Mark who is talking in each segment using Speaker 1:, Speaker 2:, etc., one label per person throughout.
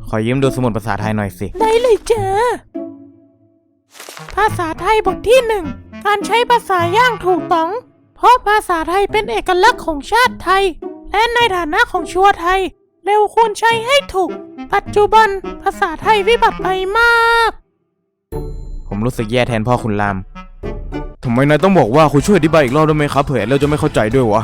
Speaker 1: ขอยืมดูสมุดภาษาไทยหน่อยสิ
Speaker 2: ได้เลยจ้าภาษาไทยบทที่ 1 การใช้ภาษาอย่างถูกต้องเพราะภาษาไทยเป็นเอกลักษณ์ของชาติไทยและในฐานะของชัวไทยเร็วควรใช้ให้ถูกปัจจุบันภาษาไทยวิบัติไปมาก
Speaker 1: ผมรู้สึกแย่แทนพ่อคุณรามทำไมนายต้องบอกว่าคุณช่วยอธิบายอีกรอบได้ไหมครับเผื่อเราจะไม่เข้าใจด้วยวะ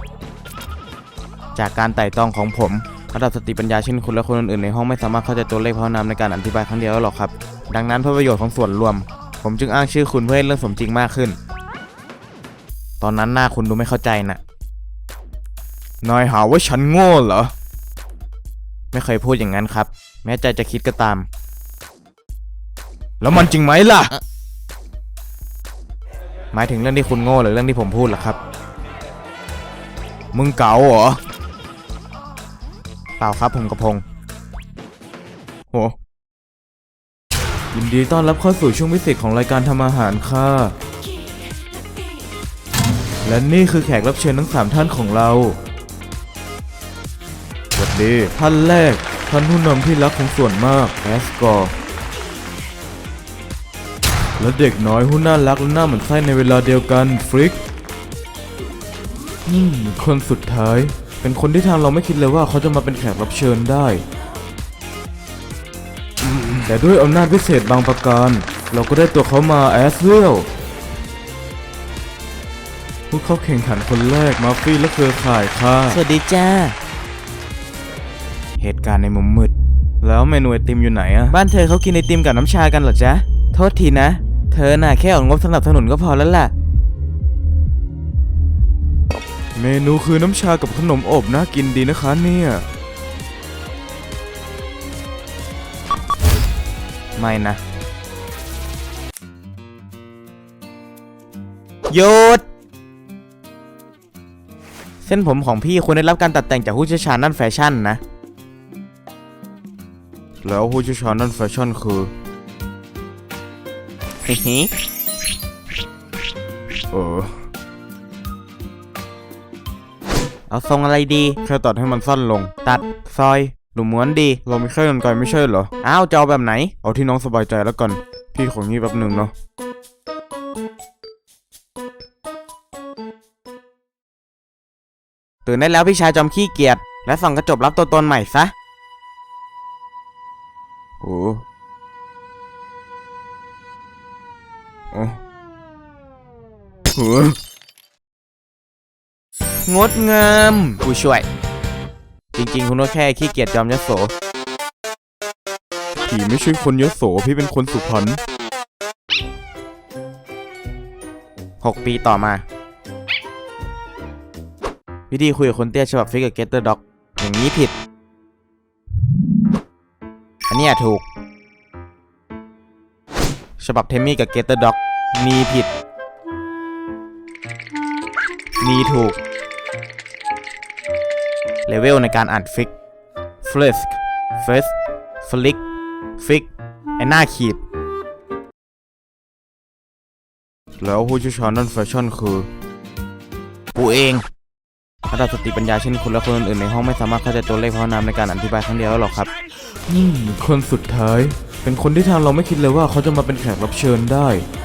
Speaker 1: จากการไต่ตองของผมระดับสติปัญญาเช่นคุณและคนอื่นๆในห้องไม่สามารถเข้าใจตัวเลขพหุนามในการอธิบายครั้งเดียวหรอกครับดังนั้นเพื่อประโยชน์ของส่วนรวมผมจึงอ้างชื่อคุณเพื่อให้เรื่องสมจริงมากขึ้นตอนนั้นหน้าคุณดูไม่เข้าใจน่ะนายหาว่าฉันโง่เหรอไม่เคยพูดอย่างนั้นครับแม้ใจจะคิดก็ตามแล้วมันจริงไหมล่ะหมายถึงเรื่องที่คุณโง่หรือเรื่องที่ผมพูดล่ะครับมึงเก๋าเหรอเปล่าครับผมกระพงโหยินดีต้อนรับเข้าสู่ช่วงพิเศษของรายการทำอาหารค่ะและนี่คือแขกรับเชิญทั้ง3ท่านของเราสวัสดีท่านแรกท่านผู้นำที่รักของส่วนมากแอสกอร์และเด็กน้อยผู้น่ารักและน่าหมั่นไส้ในเวลาเดียวกันฟริกคนสุดท้ายเป็นคนที่ทางเราไม่คิดเลยว่าเขาจะมาเป็นแขกรับเชิญได้แต่ด้วยอำนาจพิเศษบางประการเราก็ได้ตัวเขามาแอสเวลผู้เข้าแข่งขันคนแรกมาฟี่และเครือข่ายค่ะ
Speaker 2: สวัสดีจ้า
Speaker 1: เหตุการณ์ในมุมมืดแล้วเมนูไอติมอยู่ไหนอะบ้านเธอเขากินไอติมกับน้ำชากันเหรอจ๊ะโทษทีนะเธอน่ะแค่ออกงบสนับสนุนก็พอแล้วล่ะเมนูคือน้ำชากับขนมอบน่ากินดีนะคะเนี่ยไม่นะหยุดเส้นผมของพี่ควรได้รับการตัดแต่งจากผู้เชี่ยวชาญด้านแฟชั่นนะแล้วผู้เชี่ยวชาญด้านแฟชั่นคือเอาทรงอะไรดีแค่ตัดให้มันสั้นลงตัดซอยหรือม้วนดีเราไม่แค่กรรไกรไม่ใช่เหรออ้าวจะเอาแบบไหนเอาที่น้องสบายใจแล้วกันพี่ของนี้แป๊บหนึ่งเนาะตื่นได้แล้วพี่ชายจอมขี้เกียจและส่องกระจกรับตัวตนใหม่ซะโอ้งดงามผู้ช่วยจริงๆคุณก็แค่ขี้เกียจจอมยโสพี่ไม่ใช่คนยโสพี่เป็นคนสุพรรณ6 ปีต่อมาวิธีคุยกับคนเตี้ยฉบับฟิกกับเกตเตอร์ด็อกอย่างนี้ผิดอันนี้ถูกฉบับเทมมี่กับเกตเตอร์ด็อกมีผิดมีถูกเลเวลในการอ่านฟิกฟลิสก์เฟสฟลิกฟิกไอหน้าขีดแล้วผู้เชี่ยวชาญด้านแฟชั่นคือกูเองระดับสติปัญญาเช่นคุณและคนอื่นๆในห้องไม่สามารถเข้าใจตัวเลขพหุนามในการอธิบายครั้งเดียวหรอกครับคนสุดท้ายเป็นคนที่ทางเราไม่คิดเลยว่าเขาจะมาเป็นแขกรับเชิญได้